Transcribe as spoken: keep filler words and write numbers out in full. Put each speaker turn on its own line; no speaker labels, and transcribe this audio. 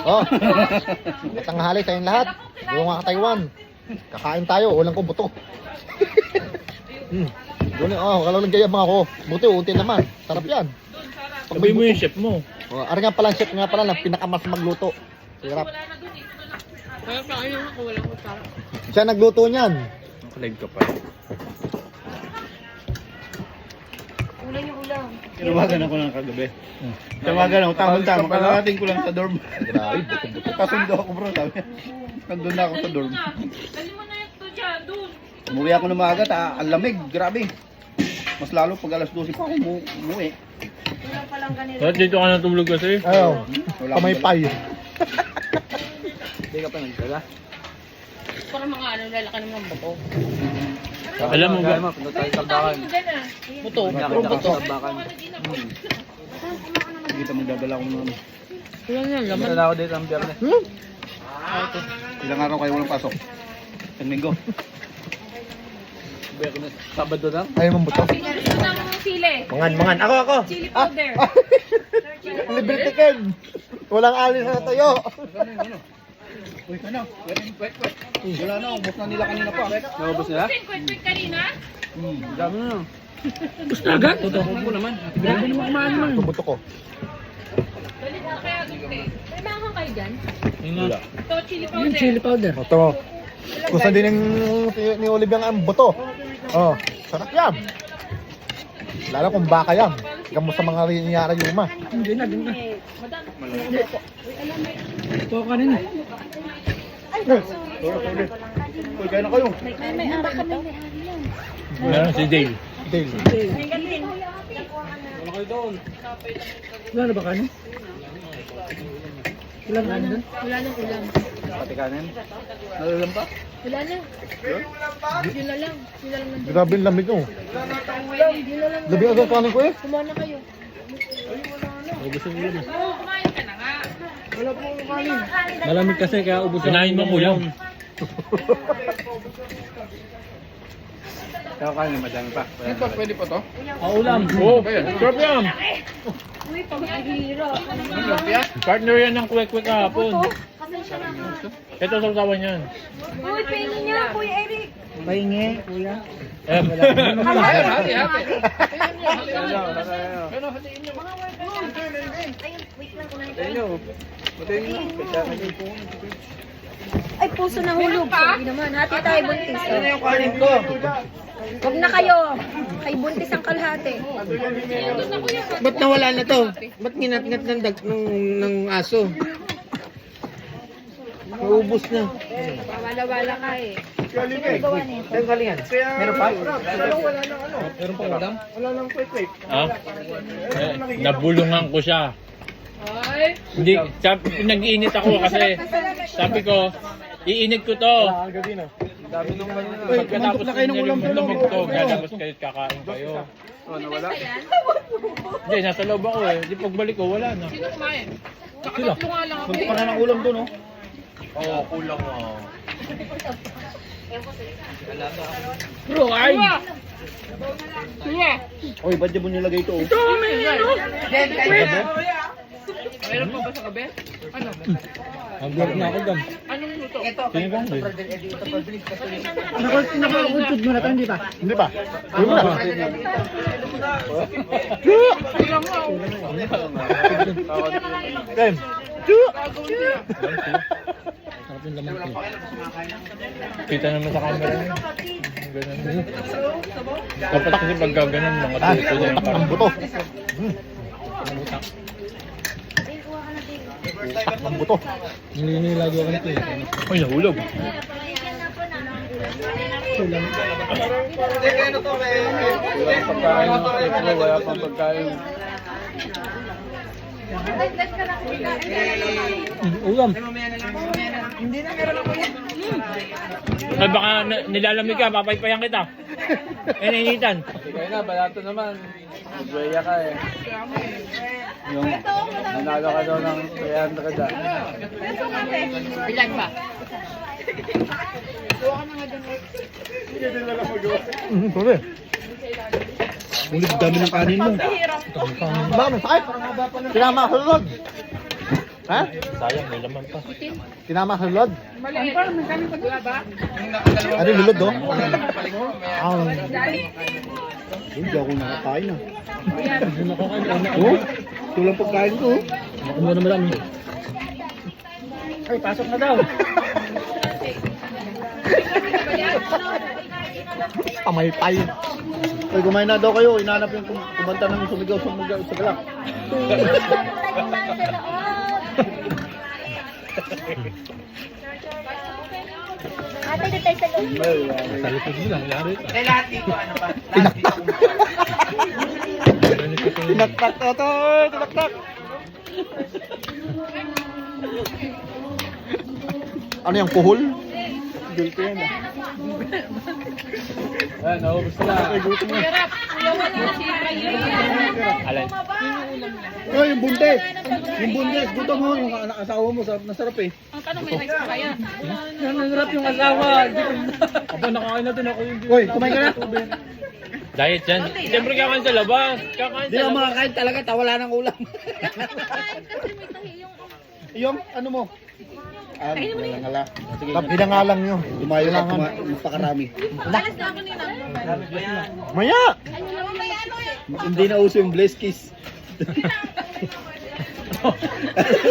Oh. Tanghali tayong lahat. Yung mga Taiwan. Kakain tayo, ulang ko buto. Hmm. Doon, oh, kalalang gayabang ako. Buti, unti naman. Sarap yan. Pag
Sabi mo yung chef mo.
Oh, ari nga pala, chef nga pala, ng pinakamas magluto. Sarap.
Kaya kain lang ako, walang utara.
Siya nagluto niyan.
Nakalag ka pa.
Ulan yung ulam.
Tinawagan ako ng kagabi. Tawagan ako, tamang-tama. Kakarating ko lang sa dorm.
Grabe, buto-buto.
Kasundo ako bro, sabi. Nandun na ako sa dorm.
Dali mo na yung to dyan, doon.
Umuwi ako ng maaga, ta, ang lamig, grabe. Mas lalo pag alas dose pa ako umu umuwi.
Ulam pa lang ganito.
Bakit dito ka natulog kasi?
Ayaw,
Wala
kamaypay.
Hindi ka pa nagdala.
Parang mga ano, lalaki naman ng buto.
Alam mo ba?
Punta tayo sa bakan.
Buto.
Nakita ko sa bakan. Dito magdadala ko ng ano.
Ulan yan, laman.
Magdadala ako dito ang biyernes.
Hmm?
Ilang araw kayo walang pasok? Ang linggo. Biyernes. Sabado na?
Ayaw mong buto.
Gusto ng sili.
Mangan, mangan. Ako, ako.
Chili powder.
Libre tikin. Walang alis na tayo.
Ano yung ano? Uy, ano? Wet, wet, wet. Wala na, ubos na nila kanina pa. Naubos nila?
Kwek-kwek kanina?
Hmm, dami na.
Gusto na agad?
Totoo ko naman.
Grabe naman kumain mo.
Ito buto ko.
Dali na kaya gusto eh. May manghang kayo dyan?
Wala.
Ito, chili powder.
Chili powder.
Ito mo. Gusto din ng ni Olivia ang buto. Oh, sarap yan. Lalo kung baka yan. Gamo sa mga rinyara yuma.
Hindi na, hindi na.
Madami.
Ito ka rin.
Uy, kaya na kayo.
May may ari ito.
Meron si Dale.
Dale.
May galing.
Wala kayo doon.
Wala na ba kanin? Wala na kanin doon?
Wala nang ulam.
Pati kanin. Nalalam pa?
Wala na. Yun na lang. Yun na lang nandun.
Grabe yung lamig oh.
Yun na lang.
Labi agad kanin ko eh.
Kumuha na kayo.
Gusto mo yun.
Oo, kumain ka na nga.
Malamig kasi kaya ubos ang Kinain mo ulam.
Kaya kanin, madami pa. Ito, pwede pa to?
Ah, ulam. Oo, sarap yan.
Uy, pag-ahira.
Partner yan ng kwek-kwek kahapon. Ito sa usawan yan.
Uy, pingin niya, Kuya Eric.
Pahingi, kuya. Eh,
Hati, hati.
Ay, puso na hulog. Sabi naman, hati tayo buntis.
Ano yung kanin ko?
Huwag na kayo. Kay buntis ang kalahati.
Ba't nawala na to? Ba't ginat-ngat ng, dag, ng, ng aso? Naubos na.
Wala-wala ka eh.
Saan galing yan? Meron pa?
Meron pa madam? Wala nang kwek-kwek.
ah? Eh, nabulungan ko siya.
Ay.
Hindi, sabi, nag-iinit ako kasi sabi ko, iinit ko to.
Dami nung kanina.
Uy, pagkatapos na kayo ng ulam to, to galabas kayo at kakain kayo.
Oh, nawala.
Hindi, nasa loob ako eh. Di pagbalik ko, wala na.
Sino kumain? Nakatatlo nga lang ako
Punta
eh.
ka na ng ulam to, no?
Oo, oh, kulang ah. Bro, ay!
Kuya.
Uy, ba't di mo nilagay ito?
Ito, may ano?
Meron pa ba sa gabi? Ano?
Ang-vlog na ako dam.
Anong luto?
Sino ba?
Nakakuntod mo na to, hindi ba?
Hindi ba? Yung na.
Kulang nga.
Ken.
Sarap yung laman ko. Kita naman sa camera niya. Ganun. Dapat kasi pagka ganun, mga
Ah,
tuto niya yung
ang
parang
buto. Hmm. Ang buto.
Nilalagay ako nito eh. Ay, nahulog.
Wala pang pagkain. Wala pang pagkain.
Ulam. Ay, baka na- nilalamig ka, papaypayan kita. Eh, nainitan.
Kaya na, balato naman. Magwaya ka eh. Yung nanalo ka daw ng three hundred ah.
Ilan ba?
Hmm, sorry.
Ulit dami ng kanin mo.
Bakit? Sakit. Sinama ako sa loob. Ha?
Sayang, may laman pa.
Tinama sa lulod?
Maliit. Parang may kami paglaba.
Ano yung lulod, oh? Ah.
Hindi ako nakakain ah.
Ayan.
Oh, ito lang pagkain ko.
Ako muna madami.
Ay, pasok na daw.
Pamaypay.
Ay, kumain na daw kayo. Inaanap yung kum- kumanta ng sumigaw sa mga sa galak.
Ate, dito tayo sa loob.
Sa likod mo lang, yari.
Tinaktak.
Ganito ko yun.
Tinaktak to, to. Tinaktak. Ano yung kuhol?
Gulto yan ah.
Ayan, naubos na.
Ay, gutom na.
Hirap. Kuyawan na si Ryan.
Alay.
Oh, yung bundes. Yung bundes. Gutom mo. Yung anak asawa mo. Sarap na sarap eh.
Ang tanong, may rice pa kaya?
Yan, nangarap yung asawa. Hindi ko na. Aba, nakain na din ako yung
Hoy, kumain ka na.
Diet yan. Siyempre kakain sa labas. Kakain
Hindi
sa
ako
labas.
makakain talaga. Tawala ng ulam. Yung ano mo? Ah, wala nga la. Sige.
Pinangalang nyo.
Lumayo lang. Napakarami.
Alas na ako nila.
Maya!
Hindi na uso yung blessed kiss.